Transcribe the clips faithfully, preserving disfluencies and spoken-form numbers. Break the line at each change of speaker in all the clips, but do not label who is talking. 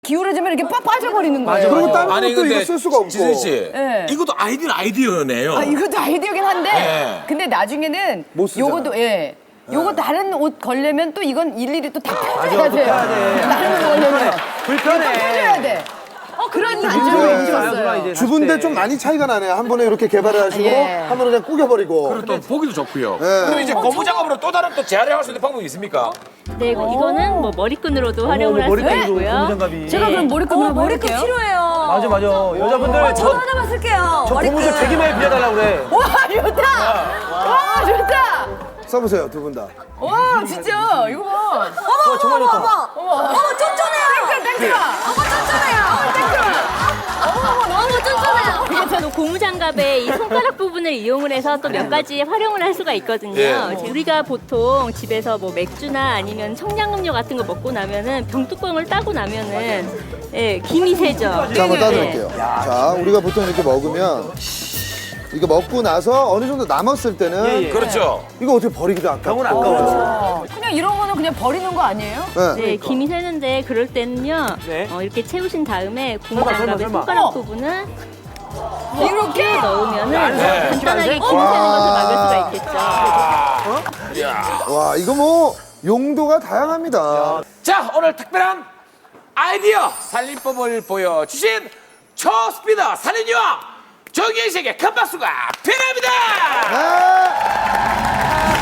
기울어지면 이렇게 빠, 빠져버리는 거예요.
그리고 다른
아니,
것도
근데
이거 쓸 수가 없고.
지선 씨,
네.
이것도 아이디어는 아이디어네요.
아, 이것도 아이디어긴 한데,
네.
근데 나중에는
못 쓰잖아.
요것도, 예. 요거 다른 옷 걸려면 또 이건 일일이 또 다 펴줘야
맞아,
돼요.
펴야 돼.
다른 옷 걸려면.
불편해.
또 펴줘야 돼. 어, 그런 단점이
이제
있었어요.
주부인데 좀 많이 차이가 나네요. 한 번에 이렇게 개발을 하시고
예.
한 번에 그냥 꾸겨버리고.
그리고 또 보기도 좋고요.
네.
그리고 이제 고무 작업으로 또 다른 또 재활용할 수 있는 방법이 있습니까?
네, 이거는 뭐 머리끈으로도 활용을 할 수가
머리끈으로
있고요.
고무장갑이.
제가 그럼 머리끈으로
어, 머리끈
해볼게요.
필요해요.
맞아 맞아. 여자분들
저도
저,
하나만 쓸게요.
저 고무 좀 되게 많이 빌려달라고 그래.
와, 좋다! 와, 좋다!
써보세요, 두 분 다.
와, 진짜, 이거 봐.
어머,
정말
어머,
좋다.
어머, 어머, 어머, 쫀쫀해요.
땡큐, 땡큐!
어머, 쫀쫀해요.
너무 쫀쫀해요. 그래서 또 고무장갑의 이 손가락 부분을 이용을 해서 또 몇 가지 활용을 할 수가 있거든요.
예.
우리가 보통 집에서 뭐 맥주나 아니면 청량음료 같은 거 먹고 나면은 병뚜껑을 따고 나면은 예, 김이 새죠.
자, 한번
네.
따드릴게요. 자, 우리가 보통 이렇게 먹으면 이거 먹고 나서 어느 정도 남았을 때는
예, 예.
그렇죠.
이거 어떻게 버리기도 아깝고.
병은 아까워요.
그냥 이런 거는 그냥 버리는 거 아니에요?
네.
네, 김이 새는데 그럴 때는요.
네.
어, 이렇게 채우신 다음에
설마,
고무장갑의
설마.
손가락
어.
부분을
이렇게?
넣으면은
안 새, 안
간단하게
새?
김이 새는 것을 막을 수가 있겠죠.
이야.
와, 이거 뭐 용도가 다양합니다.
자, 오늘 특별한 아이디어 살림법을 보여주신 초스피더 살인여왕 정기현 씨에게 큰 박수가 필요합니다.
네.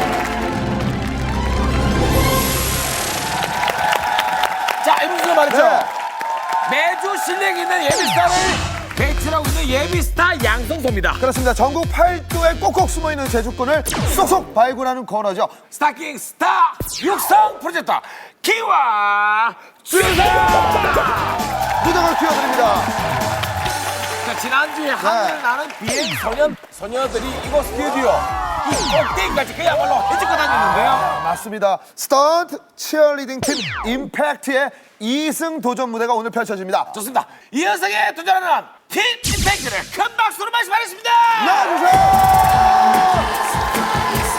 자, 이분들 말이죠.
네.
매주 실력 있는 예비스타를 배출하고 있는 예비스타 양성소입니다.
그렇습니다. 전국 팔도에 꼭꼭 숨어있는 제주권을 쏙쏙 발굴하는 코너죠.
스타킹 스타 육성 프로젝트 기와 주상.
무덤을 튀어드립니다.
자, 지난주에 하늘 나는 비행 소년 소녀들이 이곳 스튜디오 이 꼭대기까지 그야말로 헤집고 다녔는데요.
맞습니다. 스턴트 치어리딩 팀 임팩트의 이승 도전 무대가 오늘 펼쳐집니다.
좋습니다. 이 현상에 도전하는 팀 임팩트를 큰 박수로 말씀하겠습니다.
나와주세요.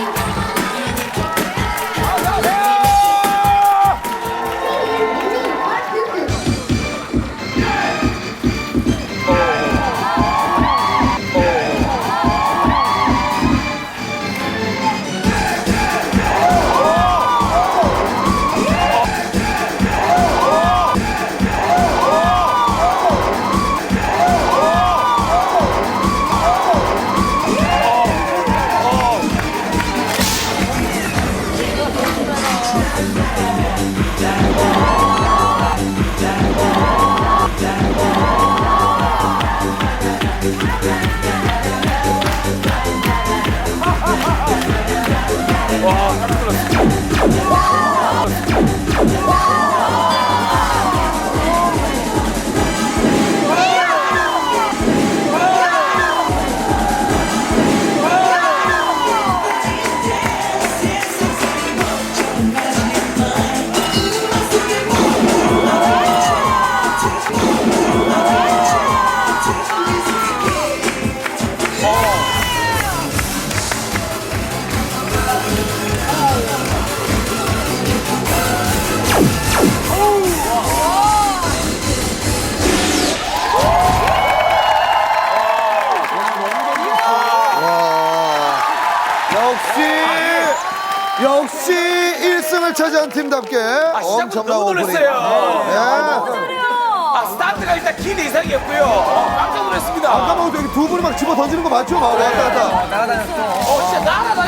역시 역시 일 승을 차지한 팀답게
아, 시작부터
엄청난
너무
오프닝.
놀랐어요.
네.
아, 스타트가 일단 기대 이상이었고요. 어, 깜짝 놀랐습니다.
아까 뭐 여기 두 분이 막 집어 던지는 거 맞죠? 막 왔다 갔다.
어, 진짜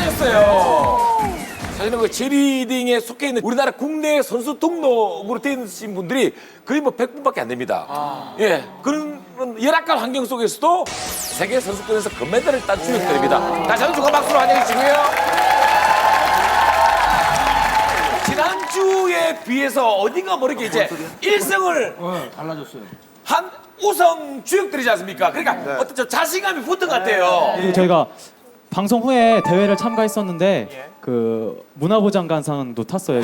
날아다녔어요. 사실은 그 제리딩에 속해 있는 우리나라 국내 선수 등록으로 되신 분들이 거의 뭐 백 분밖에 안 됩니다. 예. 그런 열악한 환경 속에서도 세계 선수권에서 금메달을 딴 주역들입니다. 다시 한번 축하 박수로 환영해 주시고요. 지난주에 비해서 어딘가 모르게 이제 일 승을 한 우승 주역들이지 않습니까? 그러니까 어떤 좀 자신감이 붙은 것 같아요.
그리고 저희가 방송 후에 대회를 참가했었는데 그 문화부장관상도 탔어요.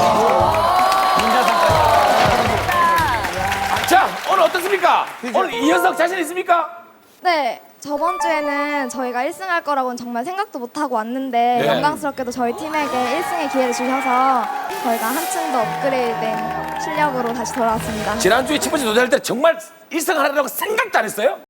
자, 오늘 어떻습니까? 오늘 이 녀석 자신 있습니까?
네, 저번 주에는 저희가 일 승 할 거라고는 정말 생각도 못하고 왔는데
네.
영광스럽게도 저희 팀에게 일 승의 기회를 주셔서 저희가 한층 더 업그레이드된 실력으로 다시 돌아왔습니다.
지난주에 첫 번째 도전할 때 정말 일 등 하려고 생각도 안 했어요?